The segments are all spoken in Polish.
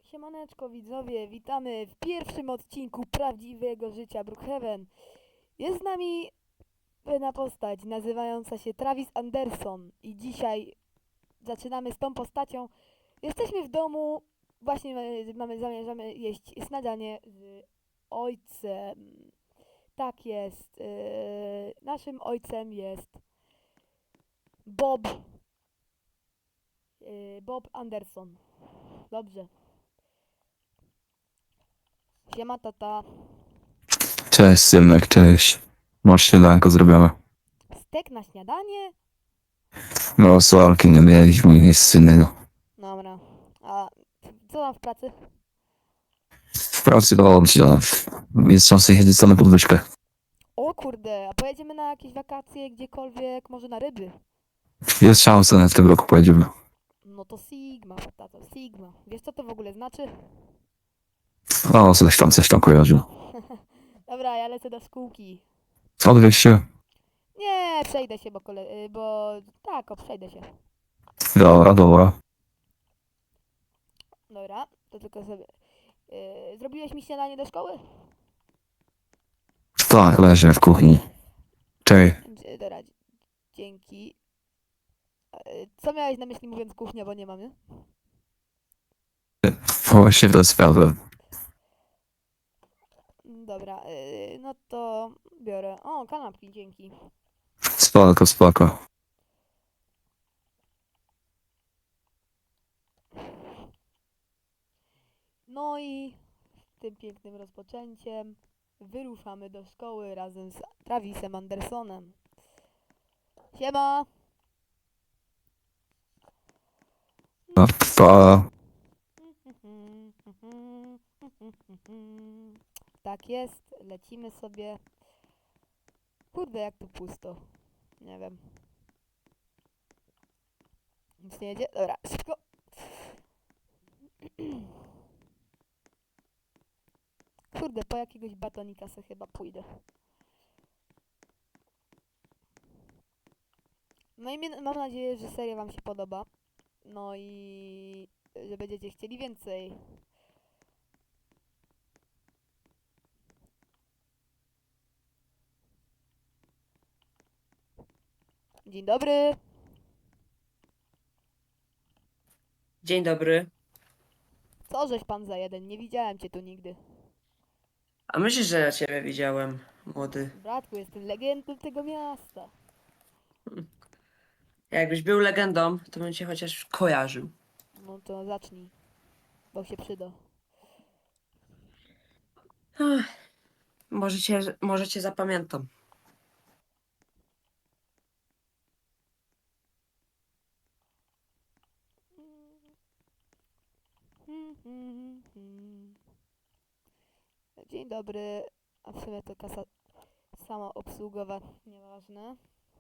Siemaneczko widzowie, witamy w pierwszym odcinku prawdziwego życia Brookhaven. Jest z nami pewna postać nazywająca się Travis Anderson i dzisiaj zaczynamy z tą postacią. Jesteśmy w domu, właśnie zamierzamy jeść śniadanie z ojcem. Tak jest, naszym ojcem jest Bob, Bob Anderson. Dobrze. Siema tata. Cześć, Symek, cześć. Masz śniadanko zrobione. Stek na śniadanie? No, sławki nie mieliśmy, nic innego. Dobra. A co tam w pracy? W pracy dobrze. Jest czas jechać na podwyżkę. O kurde, a pojedziemy na jakieś wakacje gdziekolwiek, może na ryby? Jest szansa, że w tym roku pojedziemy. No to Sigma, tato, Sigma. Wiesz co to w ogóle znaczy? O, coś tam kojarzy. Dobra, ja lecę do szkółki. Odwieź się. Nie, przejdę się, bo tak, przejdę się. Dobra, dobra. Dobra, to tylko sobie... zrobiłeś mi śniadanie do szkoły? Tak, leżę w kuchni. Cześć. Dobra, dzięki. Co miałeś na myśli mówiąc kuchnia, bo nie mamy? Właśnie to sprawę. Dobra, no to biorę. O, kanapki, dzięki. Spoko, spoko. No i tym pięknym rozpoczęciem wyruszamy do szkoły razem z Travisem Andersonem. Siema! No, pa. Tak jest, lecimy sobie. Kurde, jak tu pusto. Nie wiem. Nic nie jedzie? Dobra, szybko. Kurde, po jakiegoś batonika se chyba pójdę. No i mam nadzieję, że seria wam się podoba. No i że będziecie chcieli więcej. Dzień dobry. Dzień dobry. Co żeś pan za jeden? Nie widziałem cię tu nigdy. A myślisz, że ja ciebie widziałem, młody? Bratku, jestem legendą tego miasta. Jakbyś był legendą, to bym cię chociaż kojarzył. No to zacznij, bo się przyda. Ach, może cię zapamiętam. Dzień dobry. A w sumie to kasa sama obsługowa, nieważne.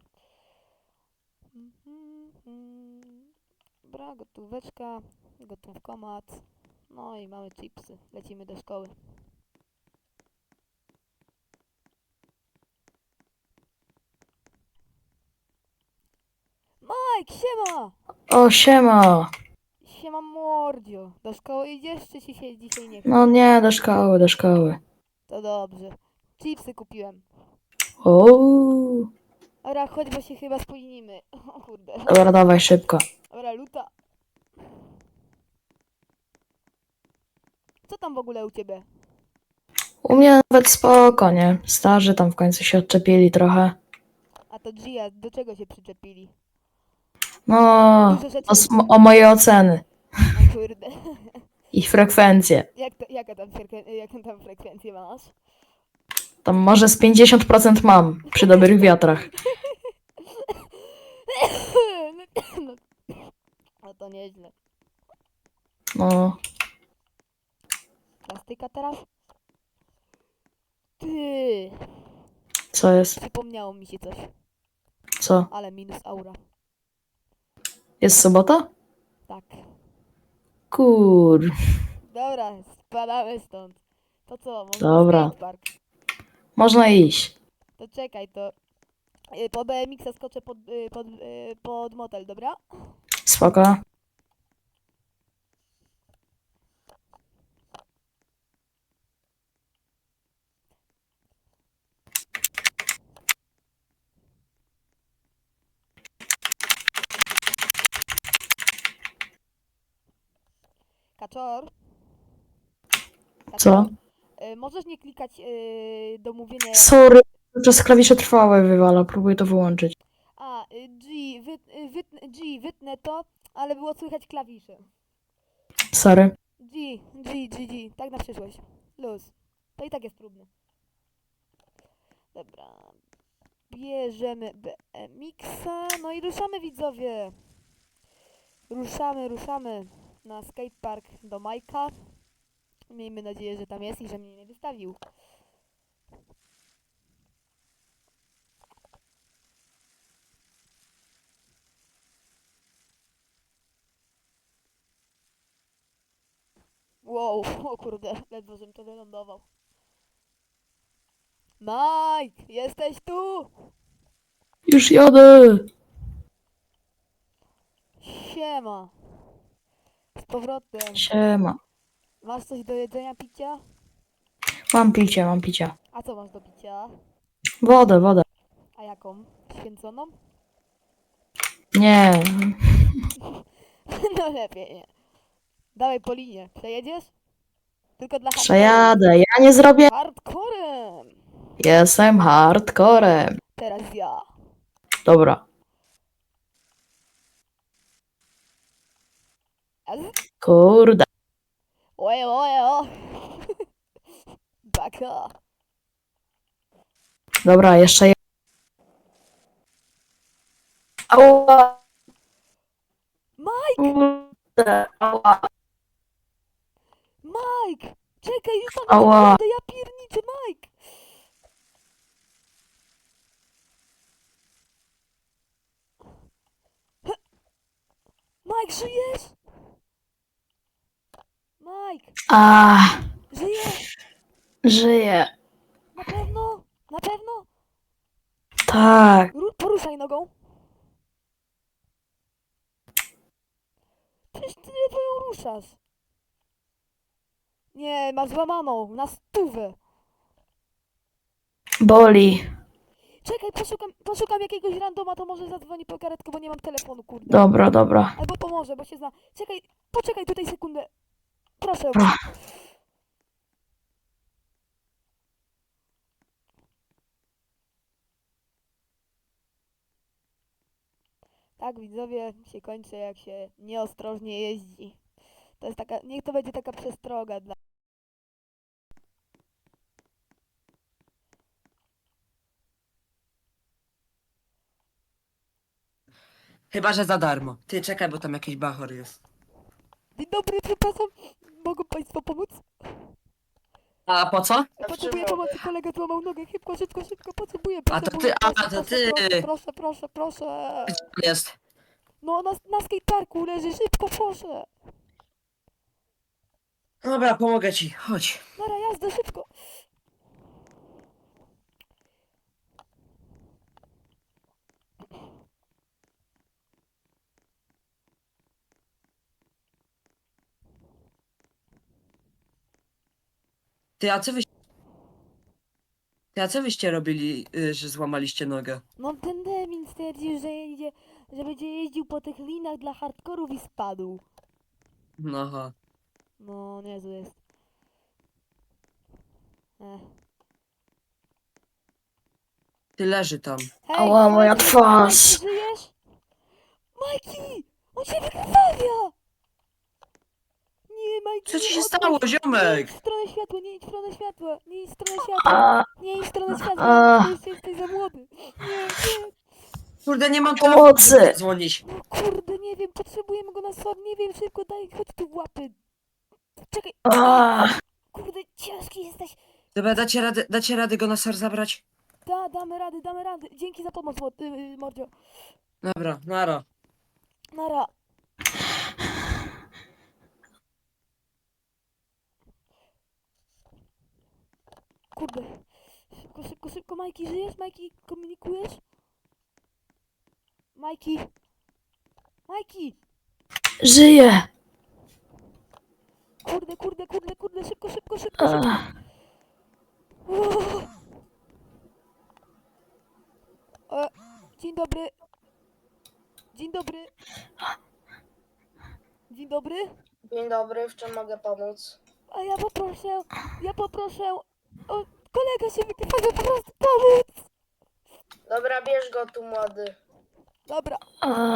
Dobra, gotóweczka, gotówkomat. No i mamy chipsy. Lecimy do szkoły. Mike, siema! O, siema. Siema mordzio. Do szkoły idziesz, czy ci się dzisiaj nie chce? No nie, do szkoły, do szkoły. To dobrze. Chipsy kupiłem. O, Dobra, chodź, bo się chyba spóźnimy. O kurde. dobra, dawaj szybko. Dobra, luta. Co tam w ogóle u ciebie? U mnie nawet spoko, nie? Starzy tam w końcu się odczepili trochę. A to Gia, do czego się przyczepili? No, Dużo rzeczy... o moje oceny O kurde. i frekwencje. Jaką tam frekwencję masz? Tam może z 50% mam przy dobrych wiatrach. No, no to nieźle. No, Plastyka teraz? Ty, co jest? przypomniało mi się coś, Co? ale minus aura. Jest sobota? Tak. Kur... Dobra, spadamy stąd. To co, może Dobra. na skatepark? Można iść. To czekaj, to po BMX-a skoczę pod motel, dobra? Spoko. Kaczor? Co? Kaczor? Możesz nie klikać do mówienia... Sorry, przez klawisze trwałe wywala, próbuję to wyłączyć. A, G, wytnę to, ale było słychać klawisze. Sorry. G, tak na przyszłość. Luz. To i tak jest próbne. Dobra. Bierzemy BMX-a, no i ruszamy widzowie. Ruszamy na skatepark do Majka. Miejmy nadzieję, że tam jest i że mnie nie wystawił. Wow, o kurde, ledwo żem to wylądował. Mike, jesteś tu? Już jadę! Siema. Z powrotem. Siema. Masz coś do jedzenia, picia? Mam picie, mam picie. A co masz do picia? Wodę. A jaką? Święconą? Nie. No lepiej nie. Dawaj po linie. Przejedziesz? Tylko dla Przejadę, ja nie zrobię. hardcorem. Jestem hardcorem. Teraz ja. Dobra. Kurde. Oje, o. Baka. Dobra, jeszcze. Ała. Mike! Kurde. Ała. Mike! Czekaj, już tam Ała. naprawdę, ja pierniczę, Mike! Mike, żyjesz? Mike, A, żyjesz? żyję. Na pewno? Na pewno? Tak. Poruszaj nogą. Przecież ty ledwo ją ruszasz. Nie, masz złamaną, na 100. Boli. Czekaj, poszukam jakiegoś randoma, to może zadzwoni po karetkę, bo nie mam telefonu, kurde. Dobra. Albo pomoże, bo się zna. Czekaj, poczekaj tutaj sekundę. Proszę. Dobra. Tak, widzowie, się kończy, jak się nieostrożnie jeździ. To jest taka, niech to będzie taka przestroga dla... Chyba, że za darmo. Ty czekaj, bo tam jakiś bachor jest. Dzień dobry, przepraszam. Mogą państwo pomóc? A po co? Potrzebuję pomocy, kolega złamał nogę. Szybko, potrzebuję. A to potrzebuję. ty, a to ty. Proszę. Gdzie on jest? No, na skateparku leży, szybko, proszę. Dobra, pomogę ci. Chodź. Nara, jazda, szybko. Ty, a co wy... Ty, a co wyście robili, że złamaliście nogę? No, ten Demin stwierdził, że będzie jeździł po tych linach dla hardkorów i spadł. No aha. No, niezły jest. Ech. Ty leży tam. Hej, Ała, moja Majki, twarz. Majki, żyjesz? Majki! On się wykrwawia! Nie, Majki, Co ci nie się odpuść. stało, Nie ziomek? idź w stronę światła, nie idź w stronę światła, nie idź w stronę światła, A, nie idź w stronę światła, a. ty jeszcze jesteś za młody. Nie. Kurde, nie mam Pomocy. telefonu, żeby dzwonić. No kurde, nie wiem, potrzebujemy go na sąd, nie wiem, szybko daj, chodź tu w łapy. Czekaj, a. kurde, ciężki jesteś. Dobra, dacie radę go na SAR zabrać? Damy radę. Dzięki za pomoc, Mordzio. Dobra, nara. Nara. Kurde. Szybko, Majki, żyjesz? Majki, komunikujesz? Majki! Żyję. Kurde, szybko. A. Uuu. Dzień dobry. Dzień dobry, w czym mogę pomóc? A ja poproszę, o, kolega się wykrywa, po prostu pomóc. Dobra, bierz go tu, młody. Dobra, A,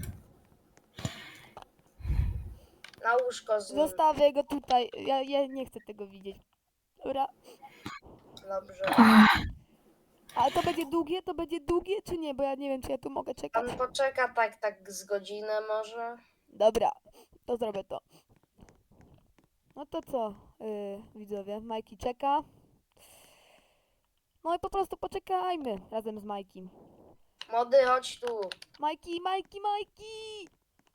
Na łóżko z nim. zostawię go tutaj, ja nie chcę tego widzieć. Dobra, Dobrze. a to będzie długie czy nie, bo ja nie wiem, czy ja tu mogę czekać. Pan poczeka tak z godzinę może? Dobra, to zrobię to. No to co, widzowie, Majki czeka. No i po prostu poczekajmy razem z Majkim. Młody, chodź tu. Majki, Majki, Majki!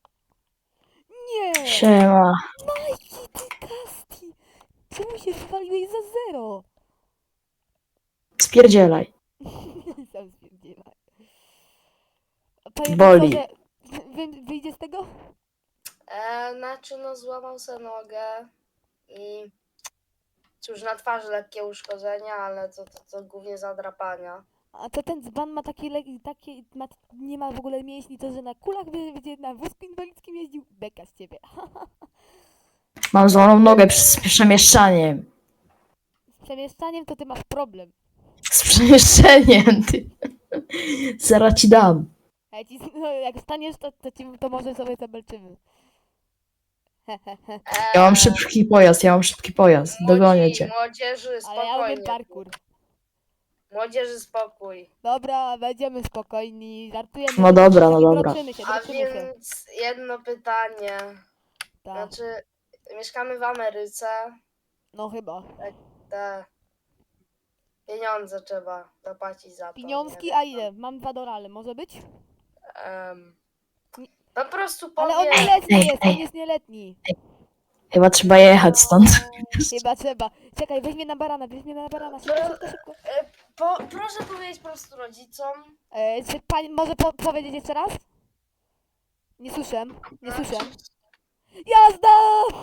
Nie! siema. Majki, ty Kasti! Czemu się wywaliłeś za 0? Spierdzielaj. Sam spierdzielaj. Panie Boli. doktorze, wyjdzie z tego? Znaczy no złamał sobie nogę i cóż, na twarzy lekkie uszkodzenia, ale to głównie zadrapania. A to ten dzban ma nie ma w ogóle mięśni, to że na kulach będzie na wózku inwalidzkim jeździł. Beka z ciebie. Mam złamaną nogę z przemieszczaniem. Z przemieszczaniem to ty masz problem. Z przemieszczeniem, ty. Zaraz ci dam. A jak, jak staniesz, to może sobie zabelczymy. Ja mam szybki pojazd. Dogonię cię. Młodzieży, Ale ja umiem spokojnie. parkour. Młodzieży, spokój. Dobra, będziemy spokojni, żartujemy. No dobra, no dobra. Droczymy się, A droczymy się. więc jedno pytanie. Tak, Znaczy, mieszkamy w Ameryce. no chyba. Te pieniądze trzeba zapłacić za to. Pieniążki, nie? a ile? Mam $2, może być? Po prostu Ale on powiem. nieletni Ej, jest, ej. on jest nieletni. Chyba trzeba jechać stąd. Chyba trzeba. Czekaj, weź mnie na barana, szybko. Proszę powiedzieć po prostu rodzicom. Czy pani może powiedzieć jeszcze raz? Nie słyszę, nie słyszę. Jazda!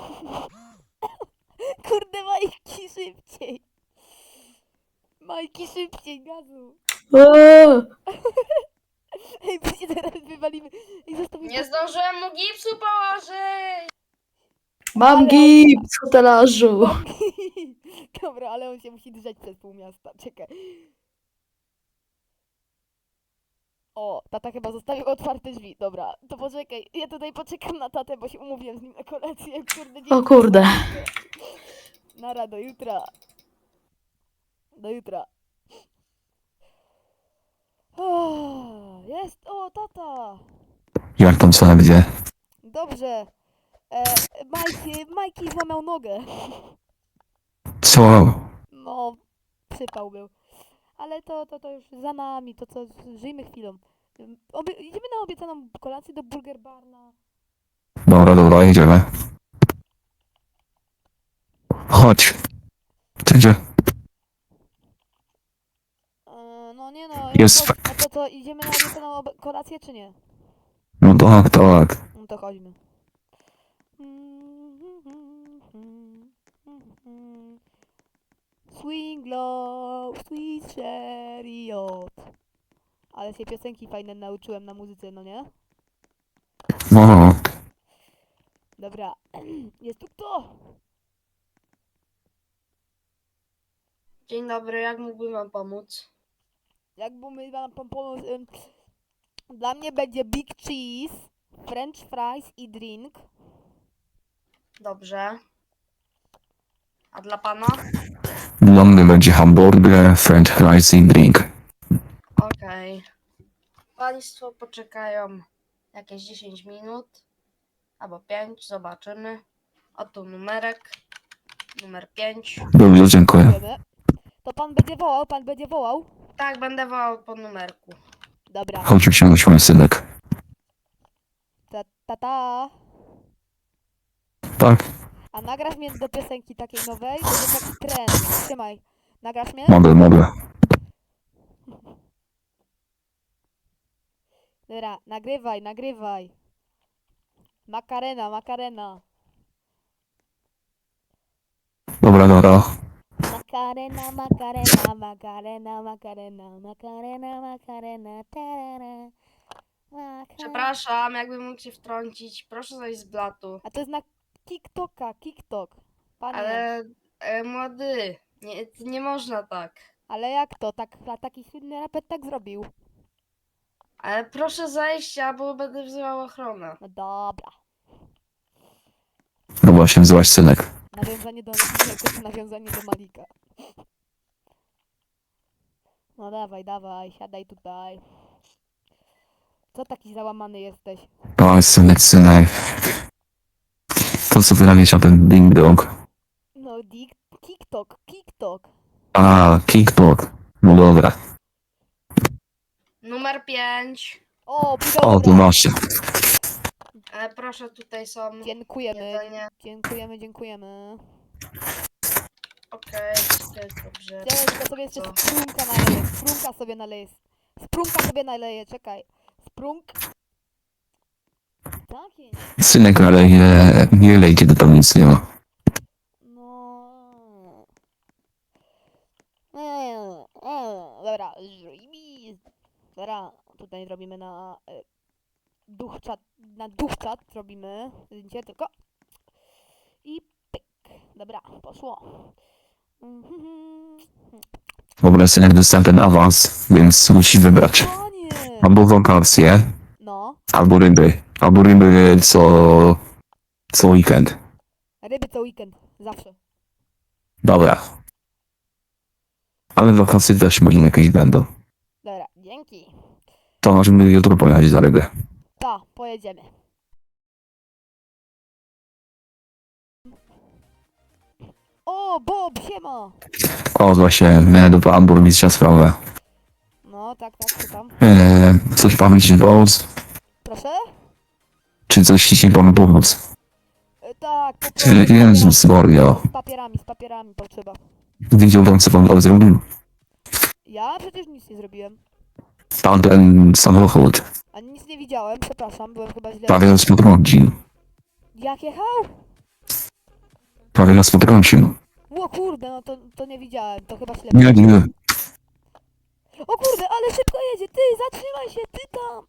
Kurde, Majki, szybciej. Majki, szybciej, gazu. O, Ej, bo się teraz wywalimy. Ej, zostawimy. Nie zdążyłem mu gipsu położyć. mam Ale- gips, hotelarzu. Dobra, ale on się musi drzeć przez pół miasta. Czekaj. O, tata chyba zostawił otwarte drzwi. Dobra, to poczekaj. Ja tutaj poczekam na tatę, bo się umówiłem z nim na kolację. Kurde, O kurde. Nara, do jutra. Do jutra. O, jest! O, tata! Jak tam co gdzie? Dobrze. Majki złamał nogę. Co? No, przypał był. Ale to już za nami, to co, żyjmy chwilą. Idziemy na obiecaną kolację do Burger Barna. Dobra, jedziemy. Chodź. Gdzie? No nie no, Jest a to co, idziemy na obiecaną kolację czy nie? No tak, tak. No to chodźmy. Swing low, sweet chariot. Ale się piosenki fajne nauczyłem na muzyce, no nie? No. Dobra, jest tu kto? Dzień dobry, jak mógłbym wam pomóc? Jakby wam pomóc, dla mnie będzie Big Cheese, French fries i drink. Dobrze. A dla pana? Dla mnie będzie hamburger, french fries i drink. Okej. Państwo poczekają jakieś 10 minut. Albo 5, zobaczymy. Oto numerek. Numer 5. Dobrze, dziękuję. Dziękujemy. To pan będzie wołał? Tak, będę wołał po numerku. Dobra. Chodź usiądź, mój synek. Ta. Tak, A nagrasz mnie do piosenki takiej nowej? Będzie taki trend. Trzymaj. Nagrasz mnie? mogę. Dobra, nagrywaj. Makarena. Dobra. Makarena, tarara. Przepraszam, jakbym mógł się wtrącić. Proszę zejść z blatu. A to jest na TikTok. Panie, Ale młody, nie można tak. ale jak to? Taki słynny raper tak zrobił. Ale proszę zejść, albo będę wzywał ochronę. No dobra. No właśnie, złaś synek. Nawiązanie do... nawiązanie do Malika. No dawaj, siadaj tutaj. Co taki załamany jesteś? O, synek. To co wyrabiać o ten ding dong. No, TikTok. A, kickball. No dobra. Numer 5. O, O, tu dobra. masz. Ale proszę, tutaj są Dziękujemy. jedzenie. Dziękujemy. Okej, dobrze. Tylko sobie jeszcze Co? sprunka naleję. Sprunka sobie naleję, czekaj. Sprunk. Tak jest. Synek, ale nie lejcie, to tam nic nie ma. No. Dobra, Dobra, tutaj robimy na duch czat robimy zdjęcie tylko. I pyk. Dobra, poszło. Dobra, synek, dostałem ten awans, więc musi wybrać. Panie! Albo wakacje, No, albo ryby. Albo ryby co weekend. ryby co weekend, zawsze. Dobra. Ale wakacje też może jakieś będą. Dobra, dzięki. To możemy jutro pojechać za rybę. Ta, pojedziemy. O, Bob, siema! O, właśnie, miałem do burmistrza sprawę. No, tak, co tam? Coś panu ci pomóc? Proszę? Czy coś ci panu pomóc? Tak, Jezus Maria. z papierami potrzeba. Widział pan, co pan zrobił? Ja przecież nic nie zrobiłem. Pan ten samochód Ani nic nie widziałem, przepraszam, byłem chyba źle. prawie nas potrącił. Jak jechał? Prawie nas potrącił. O kurde, no to nie widziałem, to chyba ślepy. Nie. O kurde, ale szybko jedzie, ty, zatrzymaj się, ty tam!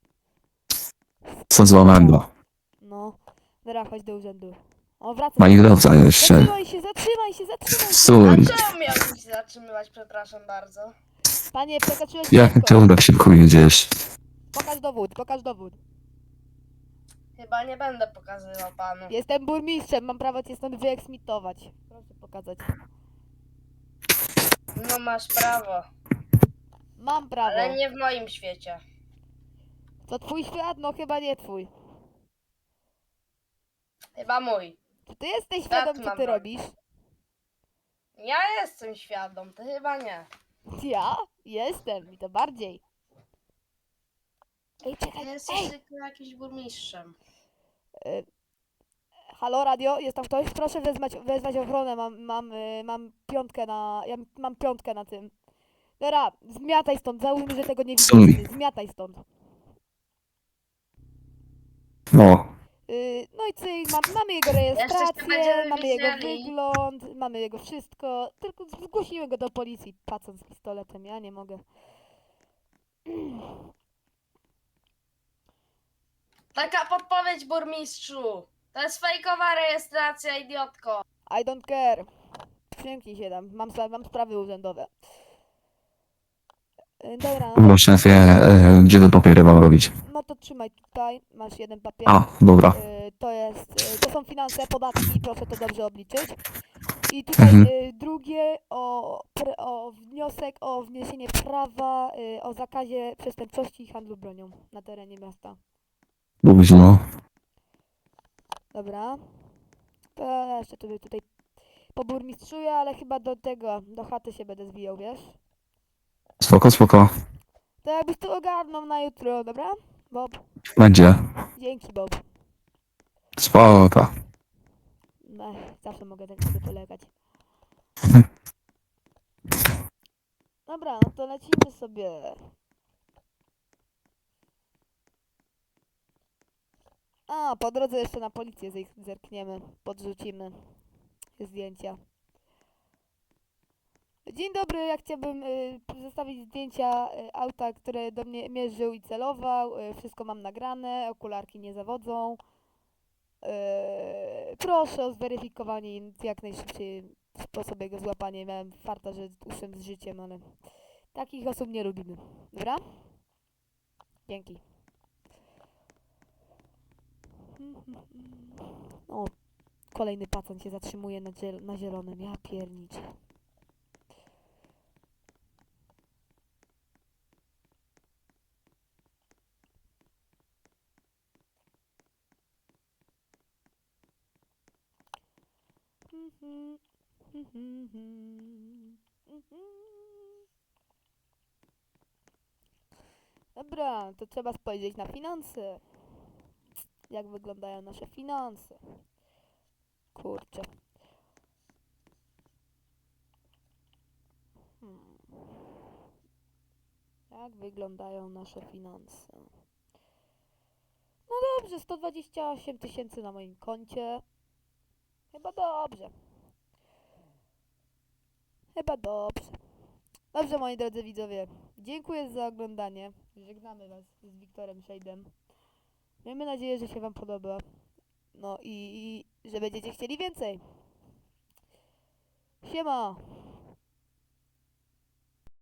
Co złamego. No, dobra, chodź do urzędu. O, wracaj. Pani kierowca jeszcze. Zatrzymaj się! Stój. Czemu miałbym się zatrzymywać, przepraszam bardzo? Panie, przekroczyłeś Jak ty prędkość. tak szybko jedziesz? Pokaż dowód. Chyba nie będę pokazywał panu. Jestem burmistrzem, mam prawo cię stąd wyeksmitować. Proszę pokazać. No masz prawo, Mam prawo. ale nie w moim świecie. To twój świat? No chyba nie twój. Chyba mój. Czy ty jesteś Świat świadom, co mam ty broń. robisz? Ja jestem świadom, ty chyba nie. Ja? Jestem i to bardziej. Ej, Ty czekaj, jesteś tylko jakimś burmistrzem. Halo, radio, jest tam ktoś? Proszę wezwać ochronę, mam piątkę mam piątkę na tym. Dobra, zmiataj stąd, załóżmy, że tego nie Stój. widzisz. Zmiataj stąd. No. No i cyk, mamy jego Jeszcze się rejestrację, będziemy mamy jego widzieli. wygląd, mamy jego wszystko. Tylko zgłosimy go do policji, patrząc z pistoletem, ja nie mogę. Taka podpowiedź, burmistrzu. To jest fejkowa rejestracja, idiotko. I don't care. Przymknij się tam, mam sprawy urzędowe. Dobra, No szefie, gdzie te papiery mam robić? no to trzymaj tutaj, masz jeden papier. A, dobra. To są finanse, podatki, proszę to dobrze obliczyć. I tutaj Mhm. drugie o wniosek o wniesienie prawa o zakazie przestępczości i handlu bronią na terenie miasta. Późno. Dobra. To ja jeszcze tutaj poburmistrzuję, ale chyba do chaty się będę zwijał, wiesz? Spoko. To jakbyś to ogarnął na jutro, dobra? Bob, Będzie. dzięki Bob. Spoko. Zawsze mogę tak sobie polegać. Dobra, no to lecimy sobie. A, po drodze jeszcze na policję zerkniemy, podrzucimy zdjęcia. Dzień dobry, ja chciałbym zostawić zdjęcia auta, które do mnie mierzył i celował. Wszystko mam nagrane, okularki nie zawodzą. Proszę o zweryfikowanie i w jak najszybciej sposób jego złapania. Miałem farta, że uszedł z życiem, ale takich osób nie lubimy. Dobra? Dzięki. O, kolejny pacjent się zatrzymuje na zielonym. Ja pierniczę. Dobra, to trzeba spojrzeć na finanse. Jak wyglądają nasze finanse? Kurczę. Jak wyglądają nasze finanse? No dobrze, 128 tysięcy na moim koncie. Chyba dobrze. Chyba dobrze. Dobrze, moi drodzy widzowie. Dziękuję za oglądanie. Żegnamy was z Wiktorem Shade'em. Miejmy nadzieję, że się wam podoba. No i że będziecie chcieli więcej. Siema!